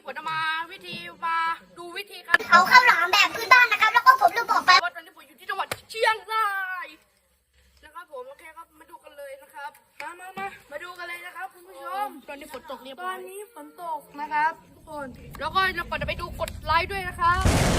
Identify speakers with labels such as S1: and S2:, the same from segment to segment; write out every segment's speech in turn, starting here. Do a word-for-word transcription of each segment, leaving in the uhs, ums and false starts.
S1: ผมจะมาวิธีมาดูวิธีการ
S2: เผาข้าวหลามแบบพื้นบ้านนะครับ แล้วก็ผมลืมบอกไป
S1: ว่าตอนนี้ผมอยู่ที่จังหวัดเชียงรายนะครับผมโอเคครับมาดูกันเลยนะครับมามามามาดูกันเลยนะครับคุณผู้ชมตอนนี้ฝนตกเรียบร้อยตอนนี้ฝนตกนะครับทุกคนแล้วก็เราก่อนจะไปดูกดไลค์ด้วยนะครับ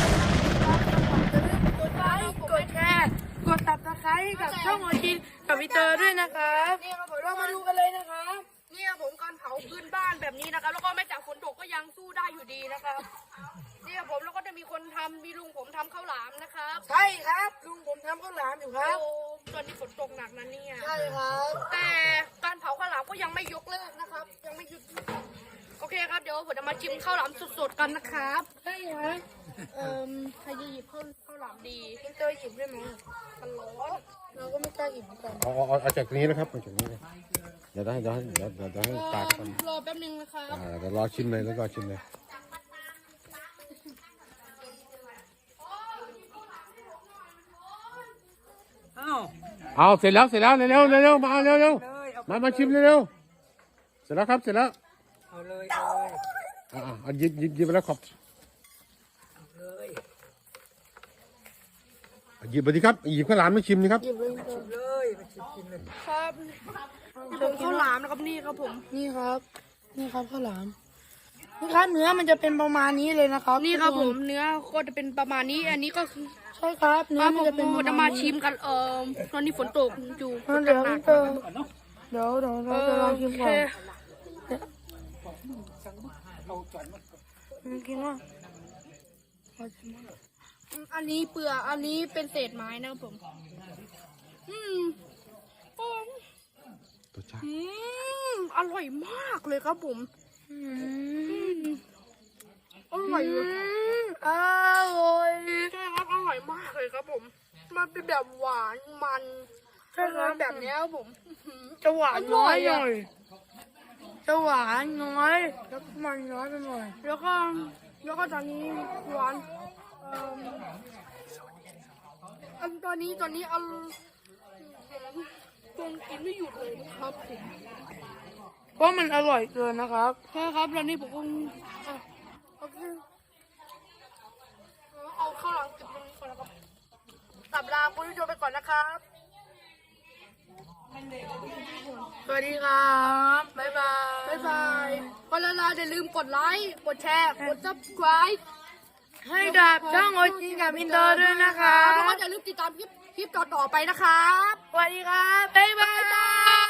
S1: กดไลค์กดแชร์กดตับตะไคร้กับช่องโอจินกับวิเตอร์ด้วยนะครับนี่ครับผมเรามาดูกันเลยนะครับนี่ครับผมการเผาพื้นบ้านแบบนี้นะครับแล้วก็แม้จากฝนตกก็ยังสู้ได้อยู่ดีนะครับนี่ครับผมแล้วก็จะมีคนทำมีลุงผมทำข้าวหลามนะครับใช่ครับลุงผมทำข้าวหลามอยู่ครับตอนนี้ฝนตกหนักนะเนี่ยใช่ครับแต่การเผาข้าวหลามก็ยังไม่ยกเลิกนะครับยังไม่หยุดโอเคครับเดี๋ยวผมจะมาชิมข้าวหลามสดๆกันนะครับใช่ครับเอ่อใครจะหยิบข้าวข้าวหลามดีพี่เตอร์หยิบได้ไหมมันร้อนเราก็ไม่กล้าหยิบเหมือนกัน
S3: เอาเอาเอาจากนี้นะครับเอาจากนี้เลยเดี๋ยวได้เดี๋ยวให้เดี๋ยวเดี๋ยวเดี๋ยวให้ตากกัน
S1: รอแป๊บนึงนะครับ
S3: อ่าเดี๋ยวรอชิมเลยแล้วก็ชิมเลยเอาเสร็จแล้วเสร็จแล้วเร็วเร็วเร็วมาเร็วเร็วมามาชิมเร็วเร็วเสร็จแล้วครับเสร็จแล้วเอาเลยเอาเลยอ่าอ่าหยิบหยิบหยิบไปแล้วขอบหยิบไปดิครับหยิบข้าวหลามไม่ชิมนี่ครับ
S1: ครับผมข้าวหลามนะครับนี่ครับผมนี่ครับนี่ครับข้าวหลามนี่ครับเนื้อมันจะเป็นประมาณนี้เลยนะครับนี่ครับผมเนื้อก็จะเป็นประมาณนี้อันนี้ก็คือใช่ครับเนื้อมันจะเป็นจะมาชิมกันเออตอนนี้ฝนตกอยู่เดี๋ยวเดี๋ยวเดี๋ยวเราจะลองชิมก่อนกินว่าอันนี้เปลือกอันนี้เป็นเศษไม้นะครับผมอืม
S3: ตัวจ้า
S1: อืมอร่อยมากเลยครับผมอืมอร่อยเลยอร่อยใช่ครับอร่อยมากเลยครับผมมันเป็นแบบหวานมันใช่ครับแบบนี้ครับผมจะหวานน้อยหน่อยจะหวานน้อยแล้วมันน้อยไปหน่อยแล้วก็แล้วก็ตอนนี้หวานอันตอนนี้ตอนนี้อันคงกินไม่หยุดเลยนะครับผมเพราะมันอร่อยเกินนะครับใช่ครับแล้วนี่ผมก็โอเคเอาข้าวหลังเก็บตรงนี้ก่อนนะครับตับลาคุณผู้ชมไปก่อนนะครับสวัสดีครับบ๊ายบายบ๊ายบายก็ละลาอย่าลืมกดไลค์กดแชร์กด ซับสไครบ์ ให้กับช่องโอจินกับอินเตอร์ด้วยนะคะแล้วก็อย่าลืมติดตามคลิปคลิปต่อๆไปนะครับสวัสดีครับบ๊ายบาย